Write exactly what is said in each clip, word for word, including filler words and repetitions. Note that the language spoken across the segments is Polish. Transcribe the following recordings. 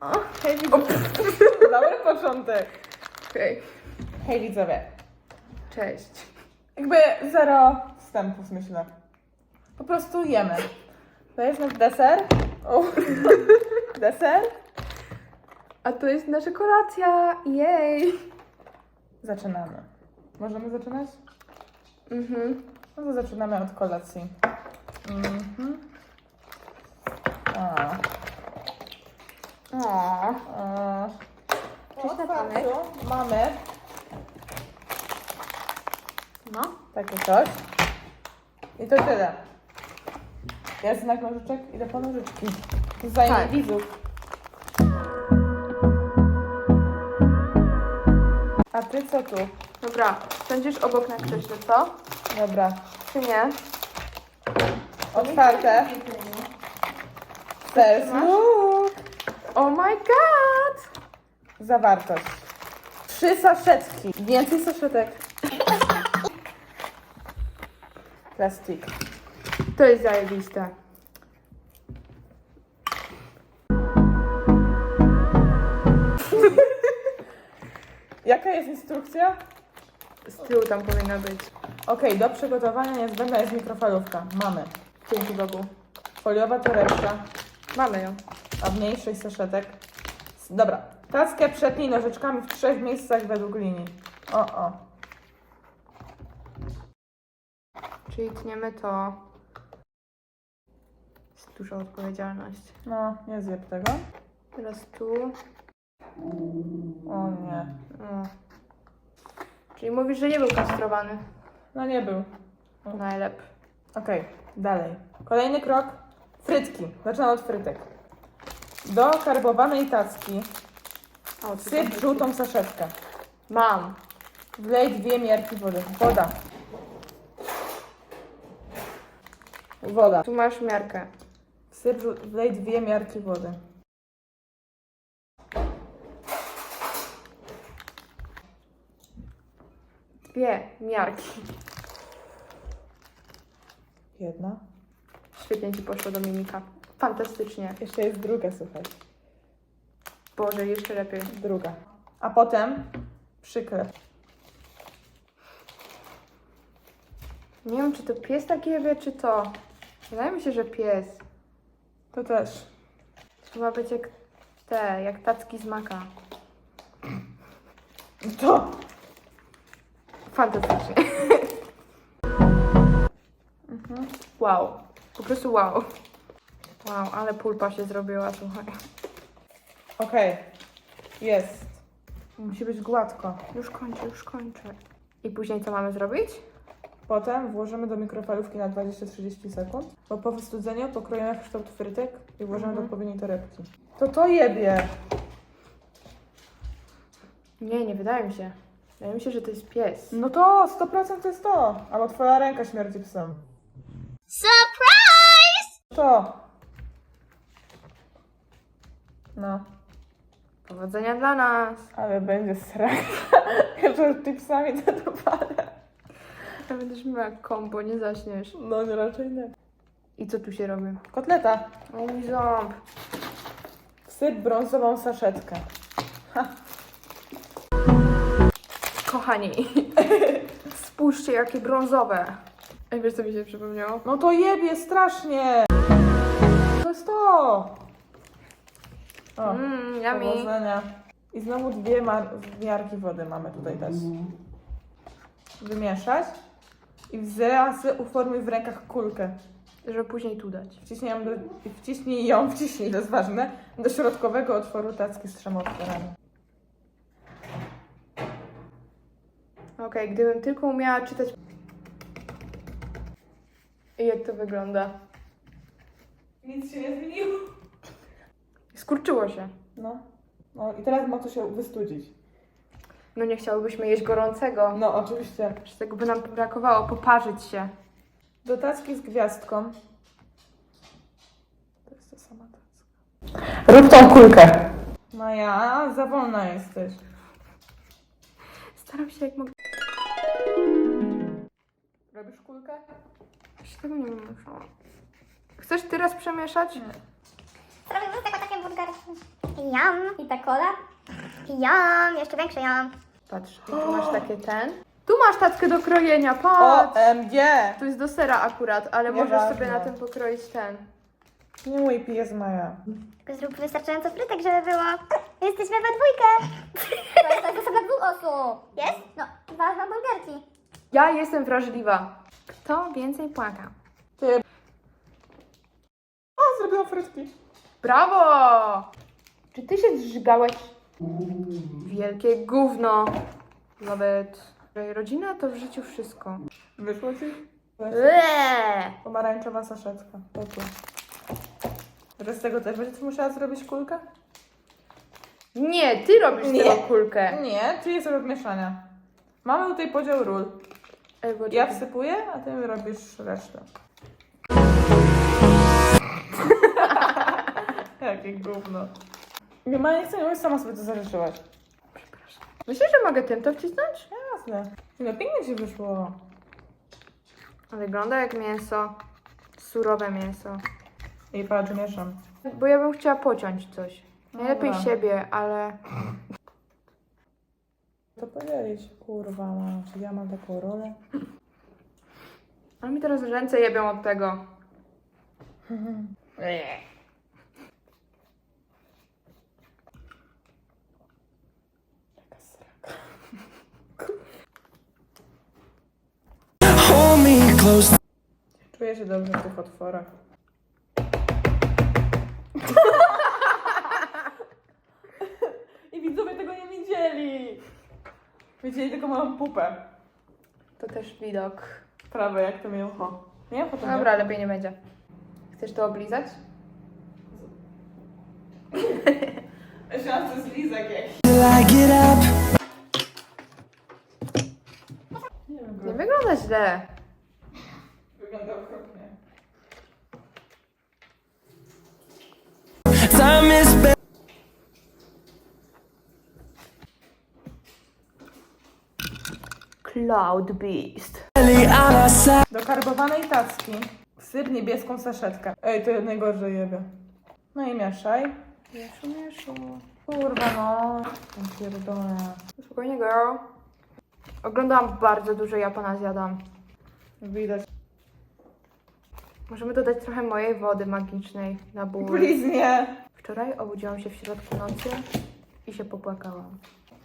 O, hej widzowie. Dobry początek. Okej. Hej widzowie. Cześć. Jakby zero wstępów, myślę. Po prostu jemy. To jest nasz deser. O. Deser. A to jest nasza kolacja. Jej. Zaczynamy. Możemy zaczynać? Mhm. No to zaczynamy od kolacji. Mhm. A. O. A. Cześć, W Natanek. otwarciu mamy No. takie coś. I to tyle. Jest znak nożyczek? Idę po nożyczki. Zajmie Tak. widzów. A ty co tu? Dobra. Będziesz obok na krześle, co? Dobra. Czy nie? Otwarte. First masz? look. Oh my god! Zawartość. Trzy saszetki. Więcej saszetek. Plastik. To jest zajebiste. Jaka jest instrukcja? Z tyłu tam powinna być. Okej, do przygotowania niezbędna jest mikrofalówka. Mamy. Dzięki Bogu. Foliowa torebka, Mamy ją. a w niej sześć saszetek. Dobra. Tackę przetnij nożyczkami w trzech miejscach według linii. O, o. Czyli tniemy to. Jest duża odpowiedzialność. No, nie zjeb tego. Teraz tu. O nie. O. Czyli mówisz, że nie był kastrowany. No nie był. Najlepiej. Okej, dalej. Kolejny krok. Frytki. Zaczynam od frytek. Do karbowanej tacki O, co wsyp tam żółtą saszetkę. Mam. Wlej dwie miarki wody. Woda. Woda. Tu masz miarkę. Wsyp, żół- wlej dwie miarki wody. Dwie miarki. Jedna. Świetnie ci poszło, Dominika. Fantastycznie. Jeszcze jest druga, słuchaj. Boże, jeszcze lepiej. Druga. A potem przyklep. Nie wiem, czy to pies taki wie, czy to. Wydaje mi się, że pies. To też. Trzeba być jak te, jak tacki z maka. To. Fantastycznie. Mhm. Wow. Po prostu wow. Wow, ale pulpa się zrobiła, słuchaj. Okej. Jest. Musi być gładko. Już kończę, już kończę. I później co mamy zrobić? Potem włożymy do mikrofalówki na dwadzieścia do trzydziestu sekund, bo po wystudzeniu pokroimy w kształt frytek i włożymy Mhm. do odpowiedniej torebki. To to jebie! Nie, nie wydaje mi się. Wydaje mi się, że to jest pies. No to sto procent to jest to! Albo twoja ręka śmierdzi psem. Surprise! To! No, Powodzenia dla nas. ale będzie sraka. Jeszcze z chipsami to dopalę. Ja będziesz miała kombo, nie zaśniesz. No nie, raczej nie. I co tu się robi? Kotleta. O mój ząb. Wsyp brązową saszetkę. Kochani, spójrzcie jakie brązowe. Ej, wiesz co mi się przypomniało? No to jebie strasznie! To jest to! O, Mmm, yummy. powodzenia. I znowu dwie mar- miarki wody mamy tutaj też. Wymieszać. I w razy uformuj w rękach kulkę. Żeby później tu dać. Wciśnij ją, do, wciśnij ją, wciśnij, to jest ważne, do środkowego otworu tacki z trzema otworami. Okej, gdybym tylko umiała czytać... I jak to wygląda? Nic się nie zmieniło. Skurczyło się. No. No i teraz ma to się wystudzić. No nie chciałybyśmy jeść gorącego. No oczywiście. Że tego by nam brakowało, poparzyć się. Do tacki z gwiazdką. To jest ta sama tacka. Rób tą kulkę. No ja, za wolna jesteś. Staram się jak mogę. Robisz kulkę? Jeszcze tego nie wiem. Chcesz teraz przemieszać? Nie. Zrobimy tego takie burgerki. Jam. I ta kola. Jam. Jeszcze większe jam. Patrz, i tu masz takie ten. Tu masz tackę do krojenia, O patrz! M G! To jest do sera akurat, ale możesz Nieważne. sobie na tym pokroić ten. Nie mój pies Maja. Tylko zrób wystarczająco frytek, żeby było. Jesteśmy we dwójkę. To jest, to jest osoba dwóch osób. Jest? No, dwa hamburgerki. Ja jestem wrażliwa. Kto więcej płaka? Ty. O, zrobiłam frytki. Brawo! Czy ty się zżygałeś? Wielkie gówno. Nawet rodzina to w życiu wszystko. Wyszło ci? Eee! Pomarańczowa saszetka. Pokój. Że z tego też będziesz musiała zrobić kulkę? Nie, ty robisz Nie. tego kulkę. Nie, ty jest od mieszania. Mamy tutaj podział ról. Ej, bo Ja wsypuję, a ty robisz resztę. Jakie gówno. Nie ma, nie chcę, nie sama sobie to zażyczyłaś. Myślisz, że mogę tym to wcisnąć? Jasne. No pięknie ci wyszło. Wygląda jak mięso. Surowe mięso. I patrz, mieszam. Bo ja bym chciała pociąć coś. Najlepiej Dobra. siebie, ale... To podzielić. Kurwa, mam. Czy ja mam taką rolę? Ale mi teraz ręce jebią od tego. Jaka sraka. Hold me close. Czuję się dobrze w tych otworach. I widzowie tego nie widzieli. Widzieli tylko moją pupę. To też widok. Prawe jak to mięcho. Nie? Potem Dobra, lepiej nie będzie. Chcesz to oblizać? Myślałam, że to jest lizak jakiś. Till I get up. Nie wiem, Nie wygląda źle. wygląda okropnie. Time is barely Cloud Beast. on our side. Do karbowanej tacki wsyp niebieską saszetkę. Ej, to najgorzej jebie. No i mieszaj. Mieszu, mieszu. Kurwa no. Tam pierdolę. Spokojnie, girl. Oglądałam bardzo dużo Japona zjadam. Widać. Możemy dodać trochę mojej wody magicznej na ból. Please nie. Wczoraj obudziłam się w środku nocy i się popłakałam.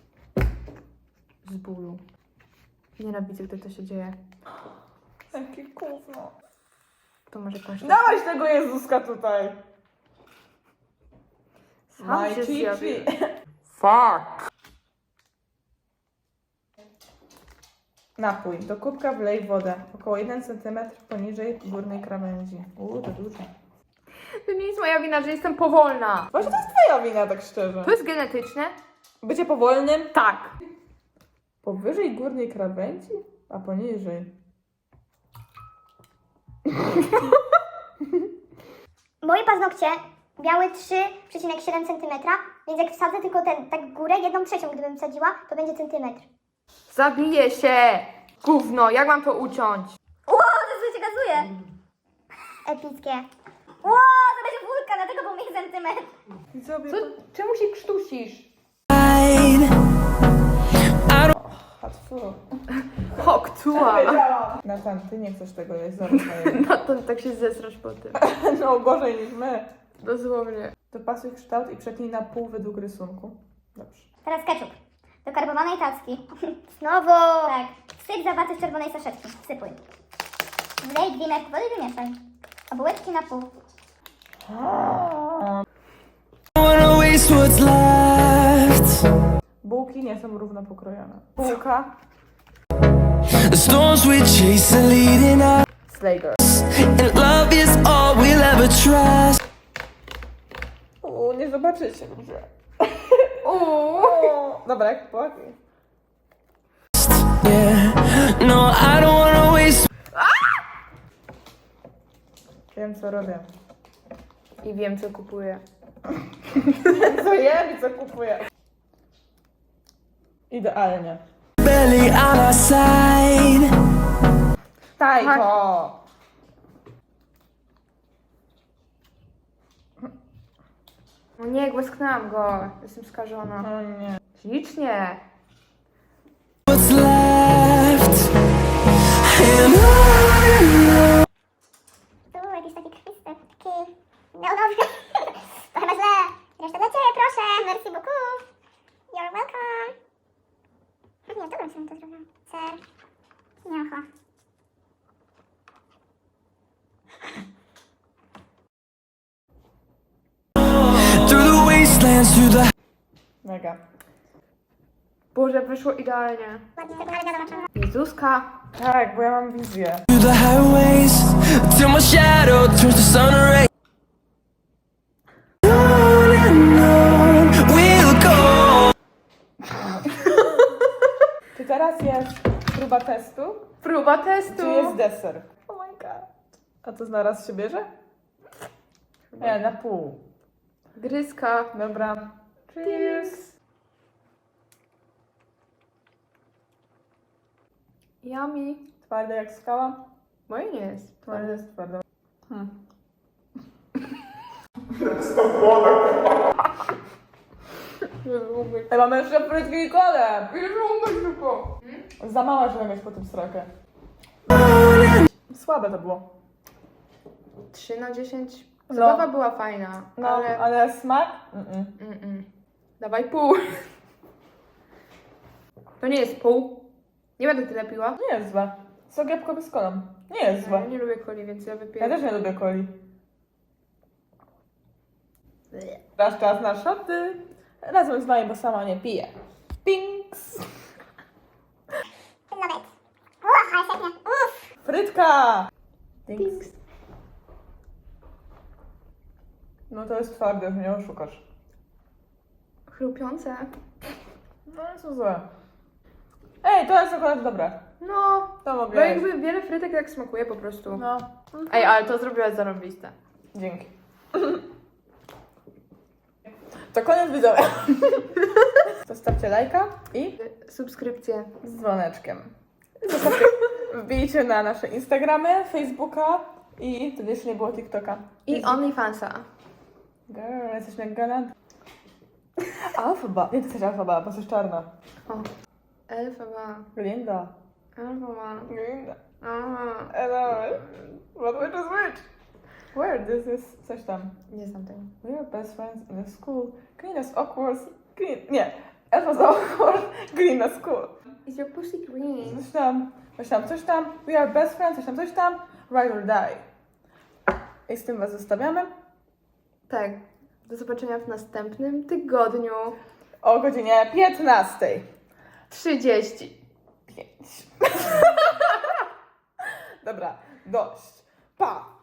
Z bólu. Nienawidzę, gdy to się dzieje. Jakie gówno. To może jakąś... Dałeś tego Jezuska tutaj. Sam My się chi zjawił. chi. Fuck! Napój. Do kubka wlej wodę. Około jeden centymetr poniżej górnej krawędzi. Uuu, to dużo. To nie jest moja wina, że jestem powolna. Właśnie to jest twoja wina, tak szczerze. To jest genetyczne? Bycie powolnym? Tak. Powyżej górnej krawędzi? A poniżej. Moje paznokcie miały trzy przecinek siedem centymetra, więc jak wsadzę tylko ten, tak górę, jedną trzecią gdybym wsadziła, to będzie centymetr. Zabiję się! Gówno, jak mam to uciąć? Ło, to się gazuje! Epickie. Ło, to będzie wulkan, dlatego był mi centymetr. Widzowie, Co? Czemu się krztusisz? Hatfu. Hoktua! Natan, ty nie chcesz tego jeść, zaraz moje. No to tak się zesrasz po tym. No gorzej niż my. Dosłownie. Dopasuj kształt i przetnij na pół według rysunku. Dobrze. Teraz ketchup. Do karbowanej tacki. Znowu! Tak. Wsyp zawarty w czerwonej saszetki. Wsypuj. Wlej dwie miarki wody i wymieszaj. A bułeczki na pół. I wanna waste what's left. Bułki nie są równo pokrojone. Bułka. The storms we chase are leading us, Slager. and love is all we'll ever trust. Uuu, nie zobaczycie ludzie. Uuu. O, dobra, jak płaki. Yeah, no, I don't wanna waste. Wiem co robię. I wiem, co kupuję. Co jem i co kupuję. Idealnie. Barely on our side. Tajko! No nie, głasknęłam go. Jestem skażona. O nie. Ślicznie. what's left. And on Tu jakiś taki krwisty, taki neonowy. To chyba źle. Reszta dla ciebie, proszę. Merci beaucoup. You're welcome. Nie, w dobrym sobie to zrobiłam. Ser. Miacha. through the wastelands, through the Mega. Boże, wyszło idealnie. Ładnie tego, ale zobaczymy. Jezuska. Tak, bo ja mam wizję. through the highways till my shadow turns to sun rays. On and on we'll go. Czy teraz jest próba testu? Próba testu. Czy jest deser? Oh my god. A to zaraz się bierze? Nie, na pół. Gryzka. Dobra. Cheers. Yummy. Twarde jak skała? Moje nie jest. Twarde jest twarde. Hmm. Ej, mamy jeszcze frytki i kolę! Za mała, żeby mieć po tym srakę. Słabe to było. trzy na dziesięć. No. Zabawa była fajna, No, ale... ale smak? Mm-mm. Mm-mm. Dawaj pół. To nie jest pół. Nie będę tyle piła. Nie jest złe. Sok jabłkowy z kolą. Nie jest Ja złe. nie lubię coli, więc ja wypiję. Ja też nie lubię coli. Teraz czas na szoty. Razem z wami, bo sama nie piję. Pinks! Nawet. Uff, ale świetnie. Uff. Frytka! Pinks. Pinks. No to jest twarde, mnie oszukasz. Chrupiące. No nie są złe. Ej, to jest akurat dobre. No, To bo mogę jeść. jakby wiele frytek tak smakuje po prostu. No. Ej, ale to zrobiłaś zarąbiste. Dzięki. To koniec widzowie. Zostawcie lajka i Subskrypcje. z dzwoneczkiem. Zostawcie, wbijcie na nasze Instagramy, Facebooka i wtedy jeszcze nie było TikToka. I OnlyFansa. Girl, jesteś jak galant. Alfaba. Nie, ty jesteś alfaba, bo jesteś czarna. O. Elfaba. Linda. Elfaba. Linda. Aha. Hello. What which is which? Where this is coś tam. Nie znam tego. We are best friends in the school. Green as awkward. Green. Nie. Elfa's awkward. Green as school. Is your pussy green? Coś tam. Coś tam, coś tam. We are best friends. Coś tam, coś tam. Ride or die. I z tym was zostawiamy. Tak. Do zobaczenia w następnym tygodniu. O godzinie piętnastej. trzydzieści. Pięć. Dobra, dość. Pa!